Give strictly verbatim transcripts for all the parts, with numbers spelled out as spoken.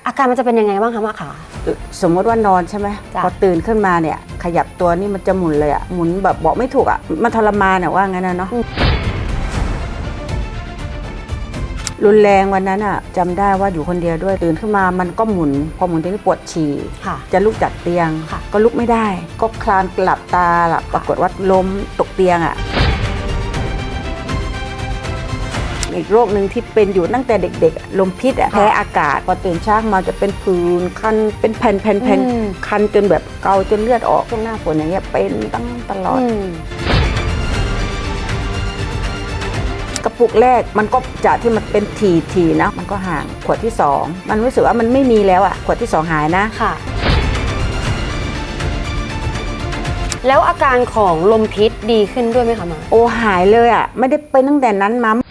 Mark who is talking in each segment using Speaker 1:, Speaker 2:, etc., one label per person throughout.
Speaker 1: อาการมันจะเป็นยังไงบ้างคะมะขา
Speaker 2: สมมติว่านอนใช่ไหมพอตื่นขึ้นมาเนี่ยขยับตัวนี่มันจะหมุนเลยอะหมุนแบบบอกไม่ถูกอะมันทรมานอะว่างั้นนะเนาะรุนแรงวันนั้นอะจำได้ว่าอยู่คนเดียวด้วยตื่นขึ้นมามันก็หมุนพอหมุนทีนี้ปวดฉี่จะลุกจากเตียงก็ลุกไม่ได้ก็คลานหลับตาหลับปรากฏว่าล้มตกเตียงอะอีกโรคหนึ่งที่เป็นอยู่ตั้งแต่เด็กๆลมพิษแพ้อากาศพอตื่นเช้ามาจะเป็นผื่นคันเป็นแผ่นๆๆคันจนแบบเกาจนเลือดออกช่วงหน้าฝนอย่างเงี้ยเป็นตั้งตลอดกระปุกแรกมันก็จากที่มันเป็นทีๆนะมันก็ห่างขวดที่สองมันรู้สึกว่ามันไม่มีแล้วอ่ะขวดที่สองหายนะ
Speaker 1: ค่ะแล้วอาการของลมพิษดีขึ้นด้วยไหมคะมา
Speaker 2: โอ้หายเลยอ่ะไม่ได้เป็นตั้งแต่นั้นมา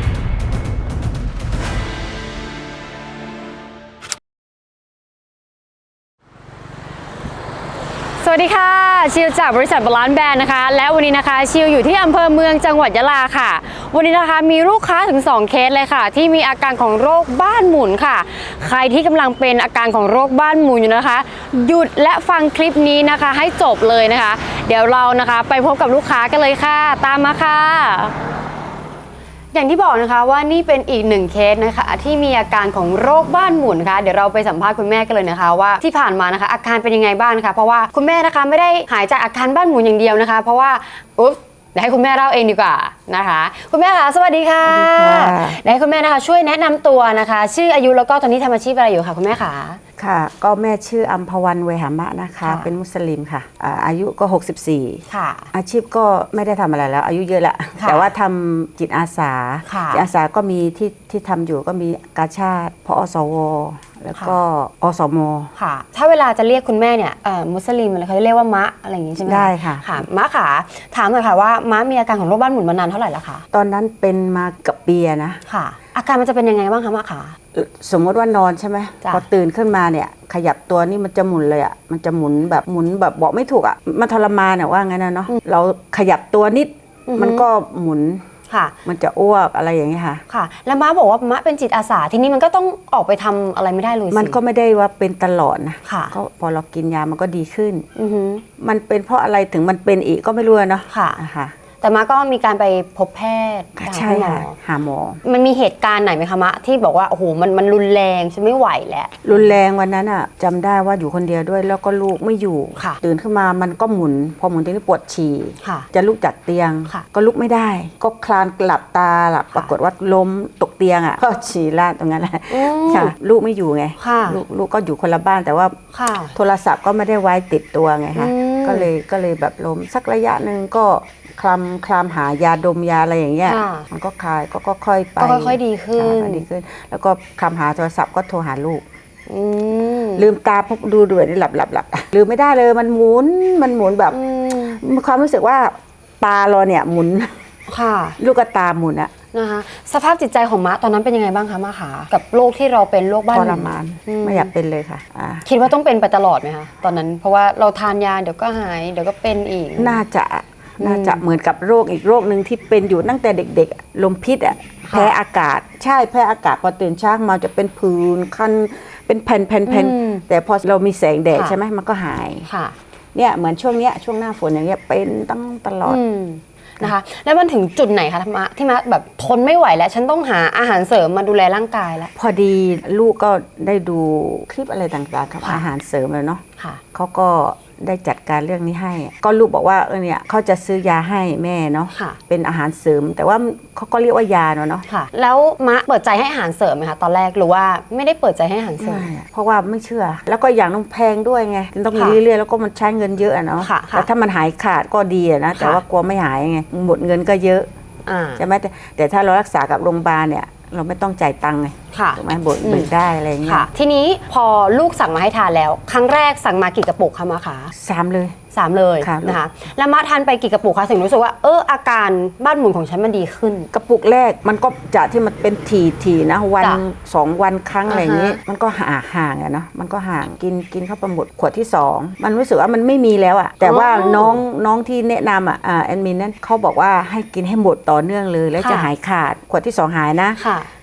Speaker 1: สวัสดีค่ะชิวจากบริษัทบาลานซ์แบรนด์นะคะและวันนี้นะคะชิวอยู่ที่อำเภอเมืองจังหวัดยะลาค่ะวันนี้นะคะมีลูกค้าถึงสองเคสเลยค่ะที่มีอาการของโรคบ้านหมุนค่ะใครที่กำลังเป็นอาการของโรคบ้านหมุนอยู่นะคะหยุดและฟังคลิปนี้นะคะให้จบเลยนะคะเดี๋ยวเรานะคะไปพบกับลูกค้ากันเลยค่ะตามมาค่ะอย่างที่บอกนะคะว่านี่เป็นอีกหนึ่งเคสนะคะที่มีอาการของโรคบ้านหมุนค่ะเดี๋ยวเราไปสัมภาษณ์คุณแม่กันเลยนะคะว่าที่ผ่านมานะคะอาการเป็นยังไงบ้างนะคะเพราะว่าคุณแม่นะคะไม่ได้หายจากอาการบ้านหมุนอย่างเดียวนะคะเพราะว่าอุ๊บเดี๋ยวให้คุณแม่เล่าเองดีกว่านะคะคุณแม่คะสวัสดีค่ะเดี๋ยวให้คุณแม่นะคะช่วยแนะนำตัวนะคะชื่ออายุแล้วก็ตอนนี้ทำอาชีพอะไรอยู่ค่ะคุณแม่คะ
Speaker 2: ค่ะก็แม่ชื่ออัมพวันเวหามะนะคะเป็นมุสลิมค่ะอายุก็หกสิบสี่ค่ะอาชีพก็ไม่ได้ทำอะไรแล้วอายุเยอะแล้วแต่ว่าทำจิตอาสาจิตอาสาก็มีที่ที่ทำอยู่ก็มีกาชาดพอสวแล้วก็อสม
Speaker 1: ค่ะถ้าเวลาจะเรียกคุณแม่เนี่ยมุสลิมอะไรเขาจะเรียกว่ามะอะไรอย่างนี้ใช่ไหม
Speaker 2: ได้ค่ะ
Speaker 1: ค่ะมะขาถามหน่อยค่ะว่ามะมีอาการของโรคบ้านหมุนมานานเท่าไหร่แล้วคะ
Speaker 2: ตอนนั้นเป็นมากับปีนะ
Speaker 1: ค่ะอาการมันจะเป็นยังไงบ้างคะมะขา
Speaker 2: สมมติว่านอนใช่ไหมพอตื่นขึ้นมาเนี่ยขยับตัวนี่มันจะหมุนเลยอ่ะมันจะหมุนแบบหมุนแบบบอกไม่ถูกอ่ะมันทรมานอ่ะว่างั้นนะเนาะเราขยับตัวนิดมันก็หมุนค่ะมันจะอ้วกอะไรอย่างเงี้ยค่ะ
Speaker 1: ค่ะแล้วม้าบอกว่ามะเป็นจิตอาสาทีนี้มันก็ต้องออกไปทำอะไรไม่ได้เลย
Speaker 2: มันก็ไม่ได้ว่าเป็นตลอดนะค่ะก็พอเรากินยามันก็ดีขึ้นมันเป็นเพราะอะไรถึงมันเป็นอีกก็ไม่รู้เนาะ
Speaker 1: ค่ะค่ะแต่มาก็มีการไปพบแพทย์
Speaker 2: ใช่ค่ะหาหมอ
Speaker 1: มันมีเหตุการณ์ไหนไหมคะมะที่บอกว่าโอ้โหมันมันรุนแรงฉันไม่ไหวแล้ว
Speaker 2: รุนแรงวันนั้นอ่ะจำได้ว่าอยู่คนเดียวด้วยแล้วก็ลูกไม่อยู่ตื่นขึ้นมามันก็หมุนพอหมุนทีนี้ปวดฉี่จะลุกจากเตียงก็ลุกไม่ได้ก็คลานหลับตาหลับปรากฏว่าล้มตกเตียงอ่ะก็ฉี่ลาดตรงนั้นแหละค่ะลูกไม่อยู่ไงลูกลูกก็อยู่คนละบ้านแต่ว่าโทรศัพท์ก็ไม่ได้ไว้ติดตัวไงคะก็เลยก็เลยแบบล้มสักระยะหนึ่งก็คลำคลำหายาดมยาอะไรอย่างเงี้ยมันก็คลายก็ค่อยไป
Speaker 1: ก็ค่อยๆดีขึ้น
Speaker 2: ดีขึ้นแล้วก็คลำหาโทรศัพท์ก็โทรหาลูกลืมตาพบดูด้วยนี่หลับหลับหลับลืมไม่ได้เลยมันหมุนมันหมุนแบบความรู้สึกว่าตาเราเนี่ยหมุน
Speaker 1: ค่ะ
Speaker 2: ลูกตาหมุนอะ
Speaker 1: นะคะสภาพจิตใจของมะตอนนั้นเป็นยังไงบ้างคะมะขากับโรคที่เราเป็นโรคบ้านหมุน
Speaker 2: ทรมานไม่อยากเป็นเลยค่ะ
Speaker 1: คิดว่าต้องเป็นไปตลอดไหมคะตอนนั้นเพราะว่าเราทานยาเดี๋ยวก็หายเดี๋ยวก็เป็นอีก
Speaker 2: น่าจะน่าจะเหมือนกับโรคอีกโรคหนึ่งที่เป็นอยู่ตั้งแต่เด็กๆลมพิษอ่ะแพ้อากาศใช่แพ้อากาศพอตื่นเช้ามาจะเป็นผื่นคันเป็นแผ่นๆๆแต่พอเรามีแสงแดดใช่ไหมมันก็หายเนี่ยเหมือนช่วงเนี้ยช่วงหน้าฝนอย่างเงี้ยเป็นตั้งตลอด
Speaker 1: นะคะแล้วมันถึงจุดไหนคะที่มาที่มาแบบทนไม่ไหวแล้วฉันต้องหาอาหารเสริมมาดูแลร่างกายแล้ว
Speaker 2: พอดีลูกก็ได้ดูคลิปอะไรต่างๆครับอาหารเสริมเลยเนาะเขาก็ได้จัดการเรื่องนี้ให้ก็ลูกบอกว่าเออเนี่ยเขาจะซื้อยาให้แม่เนาะเป็นอาหารเสริมแต่ว่าเขาก็เรียกว่ายาเนาะเนาะ
Speaker 1: แล้วมะเปิดใจให้อาหารเสริมไหมคะตอนแรกหรือว่าไม่ได้เปิดใจให้อาหารเสริม
Speaker 2: เพราะว่าไม่เชื่อแล้วก็อย่างต้องแพงด้วยไงต้องมีเรื่อยๆแล้วก็มันใช้เงินเยอะเนาะแต่ถ้ามันหายขาดก็ดีนะแต่ว่ากลัวไม่หายไงหมดเงินก็เยอะใช่ไหมแต่แต่ถ้าเรารักษากับโรงพยาบาลเนี่ยเราไม่ต้องจ่ายตังค์ไงถูกไหมบดเบิกได้อะไรเงี้ย
Speaker 1: ทีนี้พอลูกสั่งมาให้ทานแล้วครั้งแรกสั่งมากี่กระปุกคะมะคะ
Speaker 2: สามเลย
Speaker 1: สามเลยนะคะแล้วมาทานไปกี่กระปุกคะถึงรู้สึกว่าเอออาการบ้านหมุนของฉันมันดีขึ้น
Speaker 2: กระปุกแรกมันก็จากที่มันเป็นทีทีนะวันสองวันครั้งอะไรอย่างนี้มันก็ห่างห่างอะเนาะมันก็ห่างกินกินเข้าไปหมดขวดที่สองมันรู้สึกว่ามันไม่มีแล้วอะแต่ว่าน้องน้องที่แนะนำอะแอดมินนั้นเขาบอกว่าให้กินให้หมดต่อเนื่องเลยแล้วจะหายขาดขวดที่สองหายนะ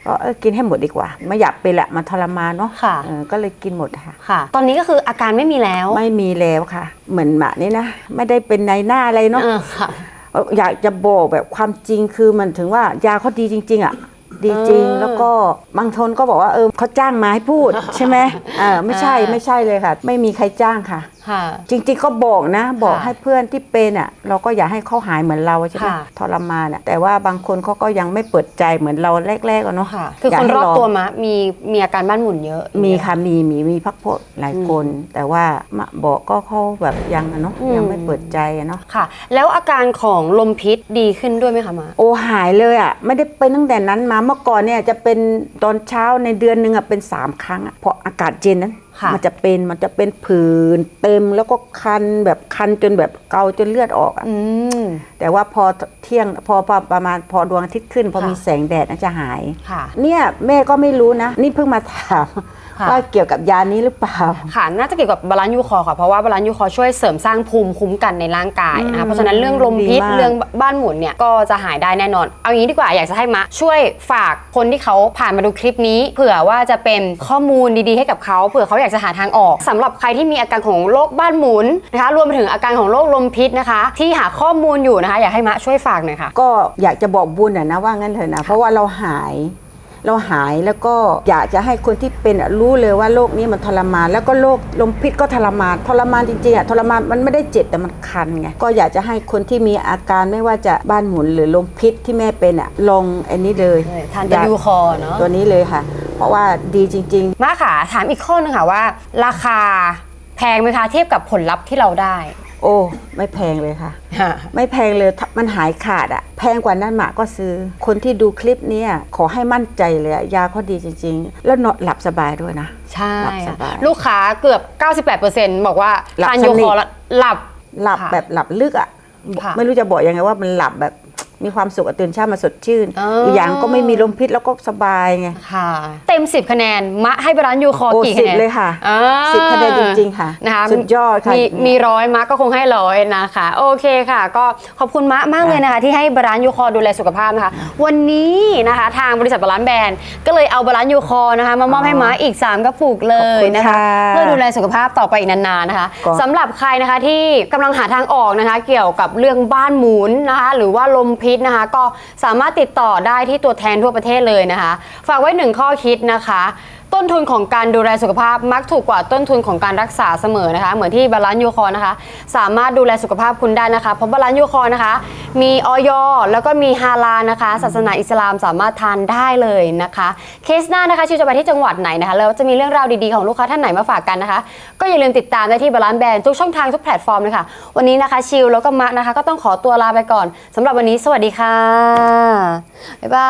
Speaker 2: ก็เออกินให้หมดดีกว่าไม่อยากเป็นละมันทรมานเนาะ
Speaker 1: ค่ะ
Speaker 2: เออก็เลยกินหมดค่ะ
Speaker 1: ค่ะ ตอนนี้ก็คืออาการไม่มีแล้ว
Speaker 2: ไม่มีแล้วค่ะ เหมือนหมานี่นะไม่ได้เป็นในหน้าอะไรเนาะ
Speaker 1: เออค่ะ
Speaker 2: อยากจะบอกแบบความจริงคือมันถึงว่ายาเขาดีจริง ๆ อ่ะ ดีจริง
Speaker 1: เออ
Speaker 2: แล้วก็บางคนก็บอกว่าเออเขาจ้างมาให้พูด ใช่ไหมเออไม่ใช่
Speaker 1: อ่า
Speaker 2: ไม่ใช่เลยค่ะ ไม่มีใครจ้างค่ะ
Speaker 1: ค่ะ
Speaker 2: จริงๆก็บอกนะ บอก
Speaker 1: ค่ะ
Speaker 2: ให้เพื่อนที่เป็นอ่ะ เราก็อยากให้เขาหายเหมือนเราใช่ไหม
Speaker 1: ค่ะ
Speaker 2: ทรมานอ่ะแต่ว่าบางคนเขาก็ยังไม่เปิดใจเหมือนเราแรกๆอะเนาะ
Speaker 1: ค่ะ คือ
Speaker 2: อยาก
Speaker 1: คน
Speaker 2: ให้
Speaker 1: รอบ
Speaker 2: ลง
Speaker 1: ตัวมะมีมีอาการบ้านหมุนเยอะ
Speaker 2: มีค่ะมีมีมีพักพวกหลายคน แต่ว่ามาบอกก็เขาแบบยังอะเนาะ
Speaker 1: อืม
Speaker 2: ยังไม่เปิดใจอะเนาะ
Speaker 1: ค่ะ แล้วอาการของลมพิษดีขึ้นด้วยไหมคะมะ
Speaker 2: โอ้หายเลยอ่ะไม่ได้เป็นตั้งแต่นั้นมาเมื่อก่อนเนี่ยจะเป็นตอนเช้าในเดือนหนึ่งอ่ะเป็นสามครั้งอ่ะเพราะอากาศเย็นนั้น
Speaker 1: ค่ะ
Speaker 2: มันจะเป็นมันจะเป็นผื่นเต็มแล้วก็คันแบบคันจนแบบเกาจนเลือดออกอ่ะ
Speaker 1: อืม
Speaker 2: แต่ว่าพอเที่ยงพอพอประมาณพอดวงอาทิตย์ขึ้น พอ
Speaker 1: ค่ะ
Speaker 2: มีแสงแดดน่าจะหาย
Speaker 1: ค่ะ
Speaker 2: เนี่ยแม่ก็ไม่รู้นะ นี่เพิ่งมาถาม
Speaker 1: ค่ะ
Speaker 2: ว่าเกี่ยวกับยานี้หรือเปล่า
Speaker 1: ค่ะ น่าจะเกี่ยวกับบาลานซ์ยูคอร์ค่ะ เพราะว่าบาลานซ์ยูคอร์ช่วยเสริมสร้างภูมิคุ้มกันในร่างกายนะ
Speaker 2: อื
Speaker 1: คะ
Speaker 2: ม
Speaker 1: เพราะฉะนั้นเรื่องลมพิษ
Speaker 2: ดีมาก
Speaker 1: เรื่องบ้านหมุนเนี่ยก็จะหายได้แน่นอน เอางี้ดีกว่าอยากจะให้มะช่วยฝากคนที่เขาผ่านมาดูคลิปนี้ เผื่อว่าจะเป็นข้อมูลดีๆให้กับเขาเผื่อเขาอยากจะหาทางออกสำหรับใครที่มีอาการของโรคบ้านหมุนนะคะรวมไปถึงอาการของโรคลมพิษนะคะ ที่หาข้อมูลอยู่นะคะอยากให้มะช่วยฝากหน่อยค่ะ
Speaker 2: ก็อยากจะบอกบุญอะนะว่างั้นเถอะนะเพราะว่าเราหาย เราหายแล้วก็อยากจะให้คนที่เป็นอะรู้เลยว่าโรคนี้มันทรมาน แล้วก็โรคลมพิษก็ทรมานทรมานจริงๆอะทรมานมันไม่ได้เจ็บแต่มันคันไงก็อยากจะให้คนที่มีอาการไม่ว่าจะบ้านหมุนหรือลมพิษที่แม่เป็นอะลงอันนี้เลย
Speaker 1: ทานตัวยูคอร์เนาะ
Speaker 2: ตัวนี้เลยค่ะ เพราะว่าดีจริง ๆ
Speaker 1: มาค่ะถามอีกข้อนึงค่ะว่า ราคาแพงไหมคะเทียบกับผลลัพธ์ที่เราได้
Speaker 2: โอ้ไม่แพงเลยค่ะ ไม่แพงเลยถ้ามันหายขาดอะแพงกว่านั้นหมาก็ซื้อ คนที่ดูคลิปเนี้ยขอให้มั่นใจเลยอะยาเขาดีจริง ๆ แล้วนอนหลับสบายด้วยนะ
Speaker 1: ใช่
Speaker 2: หลับส
Speaker 1: ค่ะ
Speaker 2: บาย
Speaker 1: ลูกค้าเกือบ เก้าสิบแปดเปอร์เซ็นต์ บอกว่า
Speaker 2: หลับ
Speaker 1: ทาน
Speaker 2: สนิท
Speaker 1: ยูคอร์แล้วหลับ
Speaker 2: หลับ
Speaker 1: ค่ะ
Speaker 2: แบบหลับลึกอะ
Speaker 1: ค่ะ
Speaker 2: ไม่รู้จะบอกยังไงว่ามันหลับแบบมีความสุขอะตื่นเช้ามาสดชื่น
Speaker 1: เอออี
Speaker 2: กอย่างก็ไม่มีลมพิษแล้วก็สบายไง
Speaker 1: ค่ะ เต็มสิบคะแนนมะให้บาลานซ์ยูคอร์
Speaker 2: โอ้
Speaker 1: กี่
Speaker 2: สิ
Speaker 1: คะ
Speaker 2: บ
Speaker 1: แนน
Speaker 2: เลยค่ะ
Speaker 1: อ่า
Speaker 2: สิบคะแนนจริงๆค่ะ
Speaker 1: นะคะ
Speaker 2: สุดยอดค่ะ
Speaker 1: มีมีร้อยมะก็คงให้ร้อยนะคะโอเคค่ะ ก็ขอบคุณมะมากเลยนะคะ ที่ให้บาลานซ์ยูคอร์ดูแลสุขภาพนะคะ วันนี้นะคะทางบริษัทบาลานซ์แบรนด์ก็เลยเอาบาลานซ์ยูคอร์นะคะมามอบให้มะอีกสามกระปุกเลยนะคะ เพื่อดูแลสุขภาพต่อไปอีกนานๆนะคะ
Speaker 2: ก็
Speaker 1: สำหรับใครนะคะที่กำลังหาทางออกนะคะ เกี่ยวกับเรื่องบ้านหมุนนะคะ หรือว่าลมพิษนะคะ ก็สามารถติดต่อได้ที่ตัวแทนทั่วประเทศเลยนะคะ ฝากไว้หนึ่งข้อคิดนะคะ ต้นทุนของการดูแลสุขภาพมักถูกกว่าต้นทุนของการรักษาเสมอนะคะ เหมือนที่บาลานซ์ยูคอร์นะคะ สามารถดูแลสุขภาพคุณได้นะคะ เพราะบาลานซ์ยูคอร์นะคะ มีออยแล้วก็มีฮาลาลนะคะ ศาสนาอิสลามสามารถทานได้เลยนะคะ เคสหน้านะคะชิวจะไปที่จังหวัดไหนนะคะแล้วจะมีเรื่องราวดีๆของลูกค้าท่านไหนมาฝากกันนะคะ ก็อย่าลืมติดตามได้ที่บาลานซ์แบรนด์ทุกช่องทางทุกแพลตฟอร์มเลยค่ะวันนี้นะคะชิวแล้วก็มะนะคะก็ต้องขอตัวลาไปก่อนสำหรับวันนี้สวัสดีค่ะบ๊ายบาย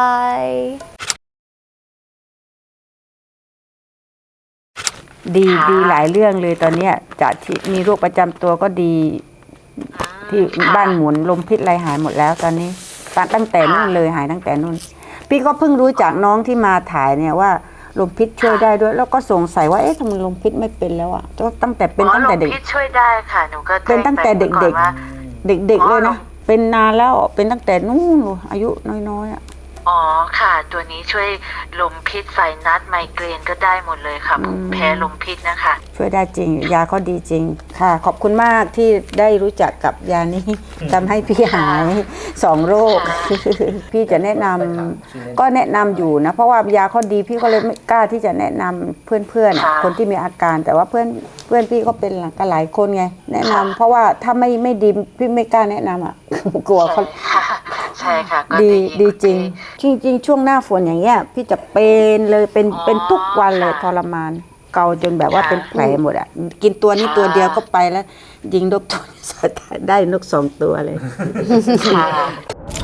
Speaker 2: ดีดีหลายเรื่องเลยตอนเนี้ยจากที่มีโรคประจำตัวก็ดี ที่บ้านหมุนลมพิษอะไรหายหมดแล้วตอนนี้ตั้งตั้งแต่นู่นเลยหายตั้งแต่นู่น พี่ก็เพิ่งรู้จากน้องที่มาถ่ายเนี่ยว่าลมพิษช่วยได้ด้วย แล้วก็สงสัยว่าเอ๊ะทำไมลมพิษไม่เป็นแล้วอ่ะก็ตั้งแต่เป็นตั้งแต่เด็ก
Speaker 3: อ๋อลมพิษช่วยได้ค่ะหนูก็
Speaker 2: เป็นตั้งแต่เด็ก
Speaker 3: ๆว่า
Speaker 2: ๆ เด็กๆเลยนะเป็นนานแล้วเป็นตั้งแต่นู่นอายุน้อยๆอ่ะ
Speaker 3: อ๋อค่ะ ตัวนี้ช่วยลมพิษไซนัสไมเกรนก็ได้หมดเลยค่ะ
Speaker 2: อืม
Speaker 3: แพ้ลมพิษนะคะ
Speaker 2: ช่วยได้จริง ยาเขาดีจริงค่ะ ขอบคุณมากที่ได้รู้จักกับยานี้ทำให้พี่หายสองโรค พี่จะแนะนำก็แนะนำอยู่นะ เพราะว่ายาเขาดีพี่ก็เลยไม่กล้าที่จะแนะนำเพื่อนๆอะ
Speaker 3: ค่ะ
Speaker 2: คนที่มีอาการแต่ว่าเพื่อนเพื่อนพี่ก็เป็นกันหลายคนไง แนะนำเพราะว่าถ้าไม่ไม่ดีพี่ไม่กล้าแนะนำอ่ะ กลัวเขา
Speaker 3: ค่ะใช่ค่ะก็
Speaker 2: ดี
Speaker 3: ยิน
Speaker 2: ดีจริง จริง ๆ ช่วงหน้าฝนอย่างเงี้ยพี่จะเป็นเลยเป็น
Speaker 3: อ๋อ
Speaker 2: เป็นทุกวันเลย
Speaker 3: ค่ะ
Speaker 2: ทรมาน เกาจนแบบว่า
Speaker 3: ค่ะ
Speaker 2: เป็นแผลหมดอ่ะกินตัวนี้
Speaker 3: ค่ะ
Speaker 2: ตัวเดียวก็ไปแล้ว ยิงนกตัวได้นกสองตัวเลย
Speaker 3: ค่ะ